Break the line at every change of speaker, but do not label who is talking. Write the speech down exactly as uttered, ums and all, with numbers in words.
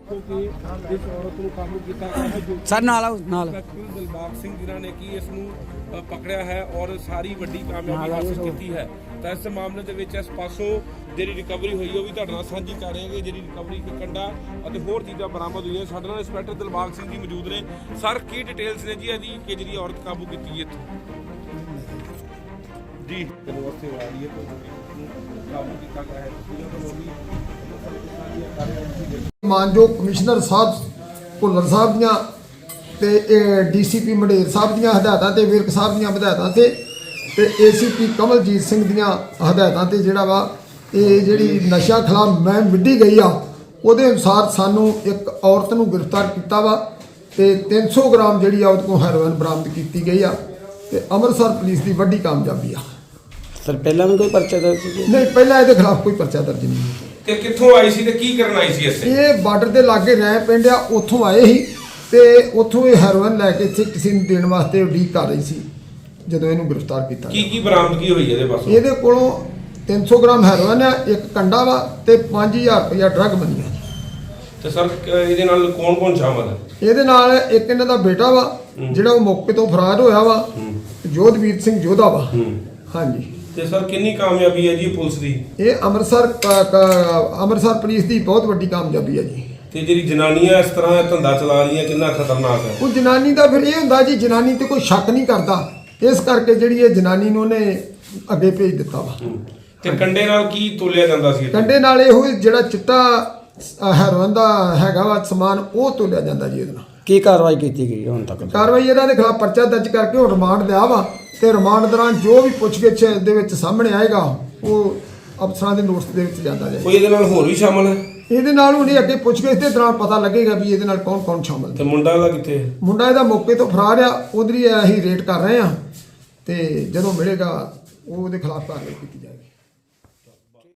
ਦੇਖੋ ਕਿ ਇਸ ਔਰਤ ਨੂੰ ਕਾਬੂ ਕੀਤਾ ਗਿਆ ਹੈ ਜੋ
ਸਰ ਨਾਲ ਆਓ ਨਾਲ
ਦਿਲਬਾਗ ਸਿੰਘ ਜਿਨ੍ਹਾਂ ਨੇ ਕਿ ਇਸ ਨੂੰ ਅ, ਪਕੜਿਆ ਹੈ ਔਰ ਸਾਰੀ ਵੱਡੀ ਕਾਮਯਾਬੀ ਹਾਸਲ ਕੀਤੀ ਹੈ। ਤਾਂ ਇਸ ਮਾਮਲੇ ਦੇ ਵਿੱਚ ਇਸ ਪਾਸੋਂ ਜਿਹੜੀ ਰਿਕਵਰੀ ਹੋਈ ਉਹ ਵੀ ਤੁਹਾਡੇ ਨਾਲ ਸਾਂਝੀ ਕਰ ਰਹੇ ਹਾਂ। ਜਿਹੜੀ ਰਿਕਵਰੀ ਇੱਕ ਕੰਡਾ ਅਤੇ ਹੋਰ ਚੀਜ਼ਾਂ ਬਰਾਮਦ ਹੋਈਆਂ। ਸਾਡੇ ਨਾਲ ਇੰਸਪੈਕਟਰ ਦਿਲਬਾਗ ਸਿੰਘ ਜੀ ਮੌਜੂਦ ਨੇ। ਸਰ ਕੀ ਡਿਟੇਲਸ ਨੇ ਜੀ ਇਹਦੀ ਕਿ ਜਿਹੜੀ ਔਰਤ ਕਾਬੂ ਕੀਤੀ ਹੈ ਜੀ ਚਲੋ ਉੱਥੇ ਆ ਰਹੀ ਹੈ ਕਾਬੂ ਕੀਤਾ ਗਿਆ ਹੈ।
ਮਾਨਯੋਗ ਕਮਿਸ਼ਨਰ ਸਾਹਿਬ ਭੁੱਲਰ ਸਾਹਿਬ ਦੀਆਂ ਤੇ ਡੀਸੀਪੀ ਮੰਡੇਰ ਸਾਹਿਬ ਦੀਆਂ ਹਦਾਇਤਾਂ ਤੇ ਵਿਰਕ ਸਾਹਿਬ ਦੀਆਂ ਹਦਾਇਤਾਂ ਤੇ ਤੇ ਏਸੀਪੀ ਕਮਲਜੀਤ ਸਿੰਘ ਦੀਆਂ ਹਦਾਇਤਾਂ ਤੇ ਜਿਹੜਾ ਵਾ ਇਹ ਜਿਹੜੀ ਨਸ਼ਾ ਖਿਲਾਫ ਮੁਹਿੰਮ ਵਿੱਢੀ ਗਈ ਆ ਉਹਦੇ ਅਨੁਸਾਰ ਸਾਨੂੰ ਇੱਕ ਔਰਤ ਨੂੰ ਗ੍ਰਿਫਤਾਰ ਕੀਤਾ ਵਾ ਤੇ ਤਿੰਨ ਸੌ ਗ੍ਰਾਮ ਜਿਹੜੀ ਆ ਉਹਦੇ ਕੋਲ ਹੈਰੋਇਨ ਬਰਾਮਦ ਕੀਤੀ ਗਈ ਆ ਤੇ ਅੰਮ੍ਰਿਤਸਰ ਪੁਲਿਸ ਦੀ ਵੱਡੀ ਕਾਮਯਾਬੀ ਆ।
ਸਰ ਪਹਿਲਾਂ ਵੀ ਕੋਈ ਪਰਚਾ ਦਰਜ ਸੀ?
ਨਹੀਂ, ਪਹਿਲਾਂ ਇਹਦੇ ਖਿਲਾਫ ਕੋਈ ਪਰਚਾ ਦਰਜ ਨਹੀਂ।
ਤੇ ਕਿੱਥੋਂ ਆਈ ਸੀ ਤੇ ਕੀ ਕਰਨ ਆਈ ਸੀ ਇੱਥੇ?
ਇਹ ਬਾਰਡਰ ਦੇ ਲਾਗੇ ਰਹਿ ਪਿੰਡ ਆ, ਉੱਥੋਂ ਆਏ ਸੀ ਤੇ ਉੱਥੋਂ ਇਹ ਹੈਰੋਇਨ ਲੈ ਕੇ ਇੱਥੇ ਕਿਸੇ ਨੂੰ ਦੇਣ ਵਾਸਤੇ ਉਡੀਕ ਕਰ ਰਹੀ ਸੀ ਜਦੋਂ ਇਹਨੂੰ ਗ੍ਰਿਫਤਾਰ ਕੀਤਾ।
ਕੀ ਕੀ ਬਰਾਮਦਗੀ ਹੋਈ ਇਹਦੇ ਪਾਸੋਂ?
ਇਹਦੇ ਕੋਲੋਂ ਤਿੰਨ ਸੌ ਗ੍ਰਾਮ ਹੈਰੋਇਨ ਆ, ਇੱਕ ਕੰਡਾ ਵਾ ਤੇ ਪੰਜ ਹਜ਼ਾਰ ਰੁਪਇਆ ਡਰੱਗ ਬਣੀ ਆ।
ਤੇ ਸਰ ਇਹਦੇ ਨਾਲ ਕੌਣ ਕੌਣ ਸ਼ਾਮਲ ਹੈ?
ਇਹਦੇ ਨਾਲ ਇੱਕ ਇਹਨਾਂ ਦਾ ਬੇਟਾ ਵਾ ਜਿਹੜਾ ਉਹ ਮੌਕੇ ਤੋਂ ਫਰਾਰ ਹੋਇਆ ਵਾ, ਜੋਧਵੀਰ ਸਿੰਘ ਜੋਧਾ ਵਾ। ਹਾਂਜੀ।
ਤੇ ਸਰ ਕਿੰਨੀ ਕਾਮਯਾਬੀ ਹੈ ਜੀ ਪੁਲਿਸ ਦੀ?
ਇਹ ਅੰਮ੍ਰਿਤਸਰ ਅੰਮ੍ਰਿਤਸਰ ਪੁਲਿਸ ਦੀ ਬਹੁਤ ਵੱਡੀ ਕਾਮਯਾਬੀ ਹੈ ਜੀ।
ਤੇ ਜਿਹੜੀ ਜਨਾਨੀਆਂ ਇਸ ਤਰ੍ਹਾਂ ਦਾ ਧੰਦਾ ਚਲਾ ਰਹੀਆਂ ਕਿੰਨਾ ਖਤਰਨਾਕ ਹੈ?
ਉਹ ਜਨਾਨੀ ਦਾ ਫਿਰ ਇਹ ਹੁੰਦਾ ਜੀ, ਜਨਾਨੀ ਤੇ ਕੋਈ ਸ਼ੱਕ ਨਹੀਂ ਕਰਦਾ, ਇਸ ਕਰਕੇ ਜਿਹੜੀ ਇਹ ਜਨਾਨੀ ਨੂੰ ਉਹਨੇ ਅੱਗੇ ਭੇਜ ਦਿੱਤਾ ਵਾ।
ਤੇ ਕੰਡੇ ਨਾਲ ਕੀ ਤੋਲਿਆ ਜਾਂਦਾ ਸੀ?
ਕੰਡੇ ਨਾਲ ਇਹੋ ਜਿਹੜਾ ਚਿੱਟਾ ਹੈਰੋਇਨ ਦਾ ਹੈਗਾ ਵਾ ਸਮਾਨ ਉਹ ਤੋਲਿਆ ਜਾਂਦਾ ਜੀ। ਇਹਦੇ ਨਾਲ
ਕੀ ਕਾਰਵਾਈ ਕੀਤੀ ਗਈ ਹੁਣ ਤੱਕ?
ਕਾਰਵਾਈ ਇਹਨਾਂ ਦੇ ਖਿਲਾਫ ਪਰਚਾ ਦਰਜ ਕਰਕੇ ਹੁਣ ਰਿਮਾਂਡ ਲਿਆ ਵਾ ਤੇ ਰਿਮਾਂਡ ਦੌਰਾਨ ਜੋ ਵੀ ਪੁੱਛਗਿੱਛ ਦੇ ਵਿੱਚ ਸਾਹਮਣੇ ਆਏਗਾ ਉਹ ਅਫਸਰਾਂ ਦੇ ਨੋਟਿਸ ਦੇ ਵਿੱਚ ਜਾਂਦਾ ਜਾਏਗਾ।
ਕੋਈ ਇਹਦੇ ਨਾਲ ਹੋਰ ਵੀ ਸ਼ਾਮਲ ਹੈ?
ਇਹਦੇ ਨਾਲ ਉਹਨੇ ਅੱਗੇ ਪੁੱਛਗਿੱਛ ਦੇ ਦੌਰਾਨ ਪਤਾ ਲੱਗੇਗਾ ਵੀ ਇਹਦੇ ਨਾਲ ਕੌਣ ਕੌਣ ਸ਼ਾਮਲ
ਤੇ ਮੁੰਡਾ ਦਾ ਕਿੱਥੇ?
ਮੁੰਡਾ ਇਹਦਾ ਮੌਕੇ ਤੋਂ ਫਰਾਰ ਆ, ਉਧਰ ਹੀ ਅਸੀਂ ਰੇਡ ਕਰ ਰਹੇ ਆ ਤੇ ਜਦੋਂ ਮਿਲੇਗਾ ਉਹਦੇ ਖਿਲਾਫ ਕਾਰਵਾਈ ਕੀਤੀ ਜਾਏਗੀ।